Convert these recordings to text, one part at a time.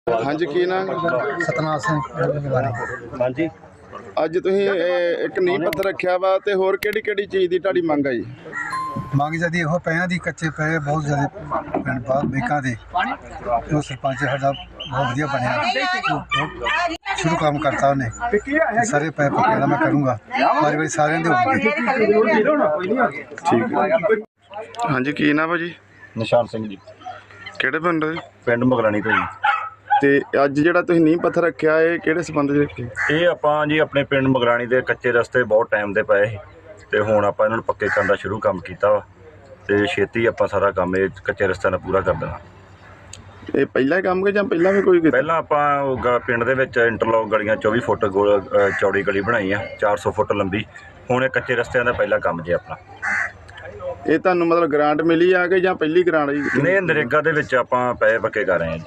हाँ जी की नाम सतनाम सिंह हाँ जी ਅੱਜ ਤੁਸੀਂ ਇੱਕ ਨੀਂਹ ਪੱਥਰ ਰੱਖਿਆ ਵਾ ਤੇ ਹੋਰ ਕਿਹੜੀ ਚੀਜ਼ ਦੀ ਤੁਹਾਡੀ ਮੰਗ ਹੈ ਜੀ? ਮੰਗ ਜਦੀ ਇਹੋ ਪਿਆਂ ਦੀ ਕੱਚੇ ਪਏ ਬਹੁਤ ਜ਼ਿਆਦਾ ਪਿੰਡ ਬਾਹਰ ਬੇਕਾਂ ਦੇ ਜੋ ਸਰਪੰਚ ਸਾਡਾ ਬਹੁਤ ਵਧੀਆ ਬਣਿਆ ਸ਼ੁਰੂ ਕੰਮ ਕਰਤਾ ਉਹਨੇ ਸਾਰੇ ਪੈ ਪੱਕੇ ਦਾ ਮੈਂ ਕਰੂੰਗਾ ਪਰ ਵੀ ਸਾਰਿਆਂ ਦੇ ਹੋਣਗੇ। ਠੀਕ ਹੈ। ਹਾਂਜੀ ਕੀ ਨਾਮ ਹੈ ਜੀ? ਨਿਸ਼ਾਨ ਸਿੰਘ ਜੀ, ਕਿਹੜੇ ਪਿੰਡ ਦੇ? ਪਿੰਡ ਮਗਰਾਣੀ ਤੋਂ ਜੀ। ਤੇ ਅੱਜ ਜਿਹੜਾ ਤੁਸੀਂ ਨੀਂਹ ਪੱਥਰ ਰੱਖਿਆ ਇਹ ਕਿਹੜੇ ਸੰਬੰਧ 'ਚ ਰੱਖਿਆ? ਇਹ ਆਪਾਂ ਜੀ ਆਪਣੇ ਪਿੰਡ ਮਗਰਾਣੀ ਦੇ ਕੱਚੇ ਰਸਤੇ ਬਹੁਤ ਟਾਈਮ ਦੇ ਪਏ ਸੀ ਤੇ ਹੁਣ ਆਪਾਂ ਇਹਨਾਂ ਨੂੰ ਪੱਕੇ ਕਰਨ ਦਾ ਸ਼ੁਰੂ ਕੰਮ ਕੀਤਾ ਵਾ ਤੇ ਛੇਤੀ ਆਪਾਂ ਸਾਰਾ ਕੰਮ ਇਹ ਕੱਚੇ ਰਸਤਿਆਂ ਦਾ ਪੂਰਾ ਕਰ ਦੇਣਾ। ਇਹ ਪਹਿਲਾ ਹੀ ਕੰਮ ਕਿ ਜਾਂ ਪਹਿਲਾਂ ਵੀ ਕੋਈ ਕੀਤਾ? ਪਹਿਲਾਂ ਆਪਾਂ ਪਿੰਡ ਦੇ ਵਿੱਚ ਇੰਟਰਲੋਕ ਗਲੀਆਂ 24 ਫੁੱਟ ਚੌੜੀ ਗਲੀ ਬਣਾਈ ਆ, 400 ਫੁੱਟ ਲੰਬੀ। ਹੁਣ ਇਹ ਕੱਚੇ ਰਸਤਿਆਂ ਦਾ ਪਹਿਲਾ ਕੰਮ ਜੇ ਆਪਣਾ। ਇਹ ਤੁਹਾਨੂੰ ਮਤਲਬ ਗ੍ਰਾਂਟ ਮਿਲੀ ਆ ਕਿ ਜਾਂ ਪਹਿਲੀ ਗ੍ਰਾਂਟ ਜੀ? ਨਹੀਂ, ਨਰੇਗਾ ਦੇ ਵਿੱਚ ਆਪਾਂ ਪੈਸੇ ਪੱਕੇ ਕਰ ਰਹੇ ਹਾਂ ਜੀ।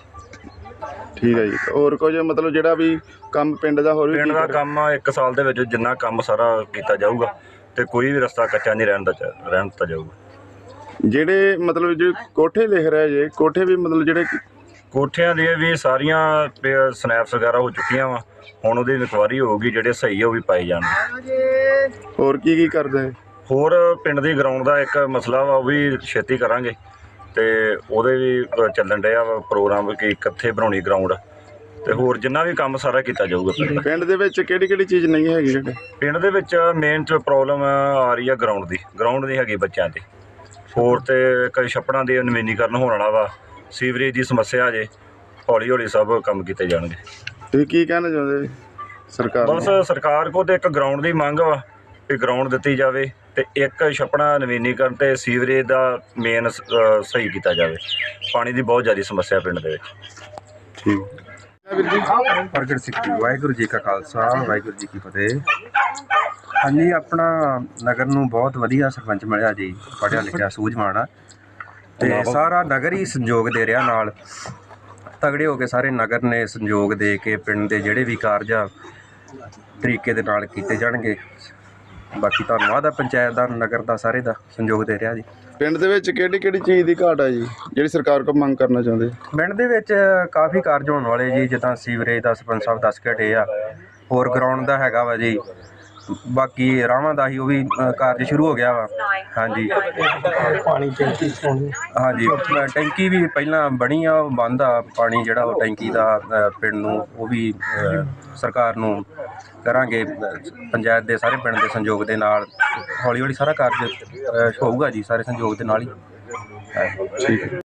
ਠੀਕ ਹੈ ਜੀ। ਹੋਰ ਕੁਝ ਮਤਲਬ ਜਿਹੜਾ ਵੀ ਕੰਮ ਪਿੰਡ ਦਾ ਹੋਰ ਵੀ ਪਿੰਡ ਦਾ ਕੰਮ ਆ 1 ਸਾਲ ਦੇ ਵਿੱਚ ਜਿੰਨਾ ਕੰਮ ਸਾਰਾ ਕੀਤਾ ਜਾਊਗਾ ਤੇ ਕੋਈ ਵੀ ਰਸਤਾ ਕੱਚਾ ਨਹੀਂ ਰਹਿਣ ਦਿੱਤਾ ਜਾਊਗਾ। ਜਿਹੜੇ ਮਤਲਬ ਜੇ ਕੋਠੇ ਲਿਖ ਰਹੇ ਜੇ ਕੋਠੇ ਵੀ ਮਤਲਬ ਜਿਹੜੇ ਕੋਠਿਆਂ ਦੀਆਂ ਵੀ ਸਾਰੀਆਂ ਸਨੈਪਸ ਵਗੈਰਾ ਹੋ ਚੁੱਕੀਆਂ ਵਾ। ਹੁਣ ਉਹਦੀ ਇਨਕੁਆਇਰੀ ਹੋਊਗੀ, ਜਿਹੜੇ ਸਹੀ ਆ ਉਹ ਵੀ ਪਾਏ ਜਾਣਗੇ। ਹੋਰ ਕੀ ਕਰਦੇ? ਹੋਰ ਪਿੰਡ ਦੀ ਗਰਾਊਂਡ ਦਾ ਇੱਕ ਮਸਲਾ ਵਾ, ਉਹ ਵੀ ਛੇਤੀ ਕਰਾਂਗੇ ਤੇ ਉਹਦੇ ਵੀ ਚੱਲਣ ਡਿਆ ਵਾ ਪ੍ਰੋਗਰਾਮ ਕਿ ਕਿੱਥੇ ਬਣਾਉਣੀ ਗਰਾਊਂਡ ਤੇ ਹੋਰ ਜਿੰਨਾ ਵੀ ਕੰਮ ਸਾਰਾ ਕੀਤਾ ਜਾਊਗਾ। ਪਿੰਡ ਦੇ ਵਿੱਚ ਕਿਹੜੀ ਚੀਜ਼ ਨਹੀਂ ਹੈਗੀ? ਜਿਹੜੇ ਪਿੰਡ ਦੇ ਵਿੱਚ ਮੇਨ ਪ੍ਰੋਬਲਮ ਆ ਰਹੀ ਆ ਗਰਾਊਂਡ ਨਹੀਂ ਹੈਗੀ ਬੱਚਿਆਂ ਦੀ। ਹੋਰ ਤੇ ਕਈ ਛੱਪੜਾਂ ਦੇ ਨਵੀਨੀਕਰਨ ਹੋਣ ਵਾਲਾ ਵਾ, ਸੀਵਰੇਜ ਦੀ ਸਮੱਸਿਆ ਜੇ, ਹੌਲੀ ਸਭ ਕੰਮ ਕੀਤੇ ਜਾਣਗੇ। ਤੁਸੀਂ ਕੀ ਕਹਿਣਾ ਚਾਹੁੰਦੇ ਸਰਕਾਰ ਨੂੰ? ਬਸ ਸਰਕਾਰ ਕੋਲ ਤੇ ਇੱਕ ਗਰਾਊਂਡ ਦੀ ਮੰਗ ਵਾ ਵੀ ਗਰਾਊਂਡ ਦਿੱਤੀ ਜਾਵੇ ਤੇ ਇੱਕ ਛੱਪੜਾ ਨਵੀਨੀਕਰਨ ਤੇ ਸੀਵਰੇਜ ਦਾ ਮੇਨ ਸਹੀ ਕੀਤਾ ਜਾਵੇ। ਪਾਣੀ ਦੀ ਬਹੁਤ ਜ਼ਿਆਦਾ ਸਮੱਸਿਆ ਪਿੰਡ ਦੇ ਵਿੱਚ। ਠੀਕ ਵੀਰ ਜੀ। ਪ੍ਰਗਟ ਸਿੰਘ ਜੀ, ਵਾਹਿਗੁਰੂ ਜੀ ਕਾ ਖਾਲਸਾ ਵਾਹਿਗੁਰੂ ਜੀ ਕੀ ਫਤਿਹ। ਹਾਂਜੀ, ਆਪਣਾ ਨਗਰ ਨੂੰ ਬਹੁਤ ਵਧੀਆ ਸਰਪੰਚ ਮਿਲਿਆ ਜੀ, ਪੜ੍ਹਿਆ ਲਿਖਿਆ ਸੂਝਵਾਨ ਆ ਤੇ ਸਾਰਾ ਨਗਰ ਹੀ ਸੰਯੋਗ ਦੇ ਰਿਹਾ ਨਾਲ। ਤਗੜੇ ਹੋ ਕੇ ਸਾਰੇ ਨਗਰ ਨੇ ਸੰਯੋਗ ਦੇ ਕੇ ਪਿੰਡ ਦੇ ਜਿਹੜੇ ਵੀ ਕਾਰਜ ਆ ਤਰੀਕੇ ਦੇ ਨਾਲ ਕੀਤੇ ਜਾਣਗੇ। ਬਾਕੀ ਧੰਨਵਾਦ ਆ ਪੰਚਾਇਤ ਦਾ, ਨਗਰ ਦਾ, ਸਾਰੇ ਦਾ ਸੰਯੋਗ ਦੇ ਰਿਹਾ ਜੀ। ਪਿੰਡ ਦੇ ਵਿੱਚ ਕਿਹੜੀ ਚੀਜ਼ ਦੀ ਘਾਟ ਆ ਜੀ ਜਿਹੜੀ ਸਰਕਾਰ ਕੋਲ ਮੰਗ ਕਰਨਾ ਚਾਹੁੰਦੇ? ਪਿੰਡ ਦੇ ਵਿੱਚ ਕਾਫੀ ਕਾਰਜ ਹੋਣ ਵਾਲੇ ਜੀ, ਜਿੱਦਾਂ ਸੀਵਰੇਜ ਦਾ ਸਰਪੰਚ ਸਾਹਿਬ ਦੱਸ ਕੇ ਹਟੇ ਆ। ਹੋਰ ਗਰਾਊਂਡ ਦਾ ਹੈਗਾ ਵਾ ਜੀ, ਬਾਕੀ ਰਾਵਾਂ ਦਾ ਹੀ ਉਹ ਵੀ ਕਾਰਜ ਸ਼ੁਰੂ ਹੋ ਗਿਆ ਵਾ। ਹਾਂਜੀ, ਪਾਣੀ ਟੈਂਕੀ ਹਾਂਜੀ, ਟੈਂਕੀ ਵੀ ਪਹਿਲਾਂ ਬਣੀ ਆ, ਉਹ ਬੰਦ ਆ ਪਾਣੀ ਜਿਹੜਾ ਉਹ ਟੈਂਕੀ ਦਾ ਪਿੰਡ ਨੂੰ, ਉਹ ਵੀ ਸਰਕਾਰ ਨੂੰ ਕਰਾਂਗੇ ਪੰਚਾਇਤ ਦੇ ਸਾਰੇ ਪਿੰਡ ਦੇ ਸੰਯੋਗ ਦੇ ਨਾਲ। ਹੌਲੀ ਸਾਰਾ ਕਾਰਜ ਹੋਊਗਾ ਜੀ, ਸਾਰੇ ਸੰਯੋਗ ਦੇ ਨਾਲ ਹੀ। ਠੀਕ ਹੈ।